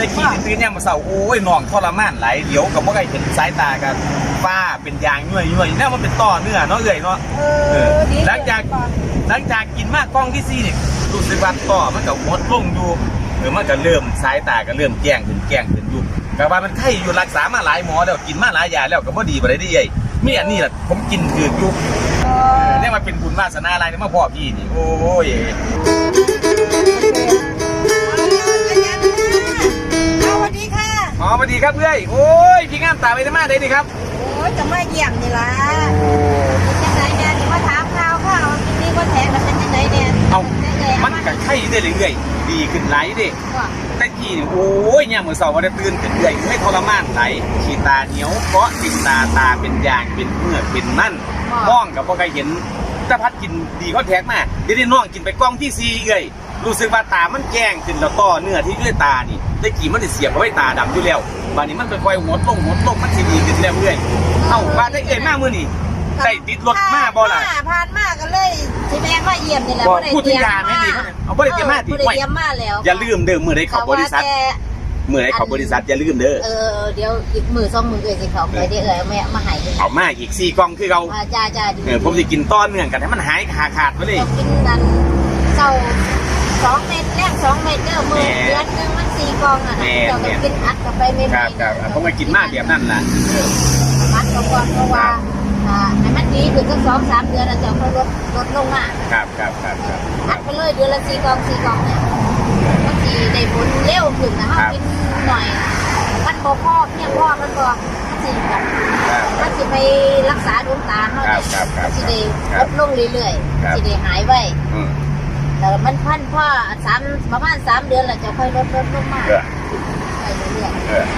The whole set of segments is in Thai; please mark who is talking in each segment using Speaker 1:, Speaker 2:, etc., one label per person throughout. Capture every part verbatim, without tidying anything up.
Speaker 1: ได้ขี่ตื่นเนี่ยมาเสาโอ้ยน้องทรมานไหลเดี๋ยวกับว่าไงเห็นสายตากันฟ้าเป็นยางย่อยย่อยนี่มันเป็นต่อเนื้อเนาะเอื่อยเนาะหลังจากหลังจากกินมากกล้องที่ซีนี่รู้สึกว่าต่อมันก็หดลงอยู่หรือมันก็เริ่มสายตาก็เริ่มแจ้งขึ้นแจ้งขึ้นอยู่กับว่ามันไข้อยู่รักษามาหลายหมอแล้วกินมาหลายยาแล้วก็บ่ดีบ่ได้ดีไอ้มีอันนี้แหละผมกินคืออยู่เนี่ยมันเป็นบุญวาสนาอะไรเนี่ยมาพ่อพี่นี่โอ้ย
Speaker 2: สวัสดีค่ะ
Speaker 1: อ๋อสวัสดีครับเพื่อนโอ้ยพี่งามตาไปได้มาได้ดิครับ
Speaker 2: โอ้ยจะมาเยี่ยมนี่ล่ะเป็นยังไงเนี่ยที่มาถามข่าวข่าวนี่ก็แทงมันเป็นยังไงเนี่ย
Speaker 1: เอามันกับไข้ได้เรื่อยๆดีขึ้นไหลดิแต่ที่นี่โอ้ยเนี่ยเหมือนเสาร์วันได้ตื่นขึ้นเรื่อยไม่ทรมานไหลขีตาเหนียวเกาะติดตาตาเป็นยางเป็นเมื่อเป็นนั่นมองกับพวกใครเห็นตาพัดกินดีเขาแท็กมาเดี๋ยวนี้น้องกินไปกล้องที่ซีเอ้ยรู้สึกว่าตามันแจ้งขึ้นแล้วต่อเนื้อที่ด้วยตานี่ได้กี่มันจะเสียบเอาไว้ตาดำอยู่แล้วบานนี้มันค่อยๆหดลงหดลงมันสีดีขึ้นแล้วเรื่อยเอ้าบ้านได้เอ้ยมากมือนี่ได้ติดรถมาบ่ล่ะ
Speaker 2: ผ่านมากันเลยที่แม่มาเยี่ยมนี่แหละ
Speaker 1: พูดถึงยาไหมดีเอาบ่ได้เตรียมมาติไว้อย่าลืมเด้อมือได้เข้าบริษัทมือได้เข้าบริษัทอย่าลืมเด้อ
Speaker 2: เออเดี๋ยวอีกมือสองมือเอ้ยสิเขาไปได้เอ้ยแม่มาหาย
Speaker 1: เอามาอีกสี่กล่องคือเรา
Speaker 2: จ้าจ้าดี
Speaker 1: เออผมจะกินต้อนเนื่องกันให้มันหายขาขาดไปเลย
Speaker 2: กินนั้นเจ้าสองเม็ดแรกสองเม็ดเด้อมือเดือนนึงมันสี่กองอ่ะเจ้าก็กินอัดกับไปไม่
Speaker 1: ครับครับผมก็กินมากแบบนั้นแหละ
Speaker 2: อัดกับก่อนเพราะว่าอ่าให้มันดีถึงสักสองสามเดือนแล้วเจ้าค่อยลดลดลงมา
Speaker 1: ครับครับครับ
Speaker 2: อัดไปเลยเดือนละสี่กองสี่กองเนี่ยบางทีได้ผลเร็วขึ้นนะฮะกินหน่อยมันบ่พอเพียงพอมันบ่มันสิแบบมันสิไปรักษาดวงตาเขาเนี่ยสิได้ลดลงเรื่อยๆสิได้หายไวแต่มันพันพ่อสามประมาณสามเดือนแล้วจะค่อยลดลดลงมาไปเรื่อย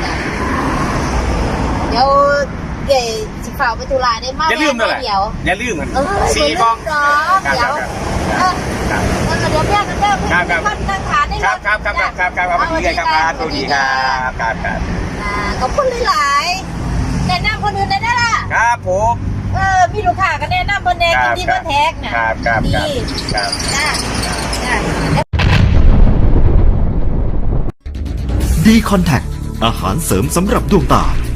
Speaker 2: ๆเดี๋ยวเดี๋ยวสิฝ่าไปตุลาได้มาก
Speaker 1: อย่าลืมเลยเดี๋ยวอย่าลืมมันสี่กอง
Speaker 2: เดี๋ยวเออแล้วเดี๋ยวแม่กันเด้อท่านนั่งทานได้
Speaker 1: ครับครับครับครับครับครับดีครับครับตัวดีครับครับครับ
Speaker 2: ขอบคุณหลายๆแนะนำคนอื่นได้ล่ะ
Speaker 1: ครับผม
Speaker 2: เออมีลูกค้าก็แนะนำคนแดงกินดีคนแท็กน่ะ
Speaker 1: ครับครับ
Speaker 2: ดี
Speaker 1: ครับ
Speaker 2: จ้าจ้า
Speaker 3: ดีคอนแทคอาหารเสริมสำหรับดวงตา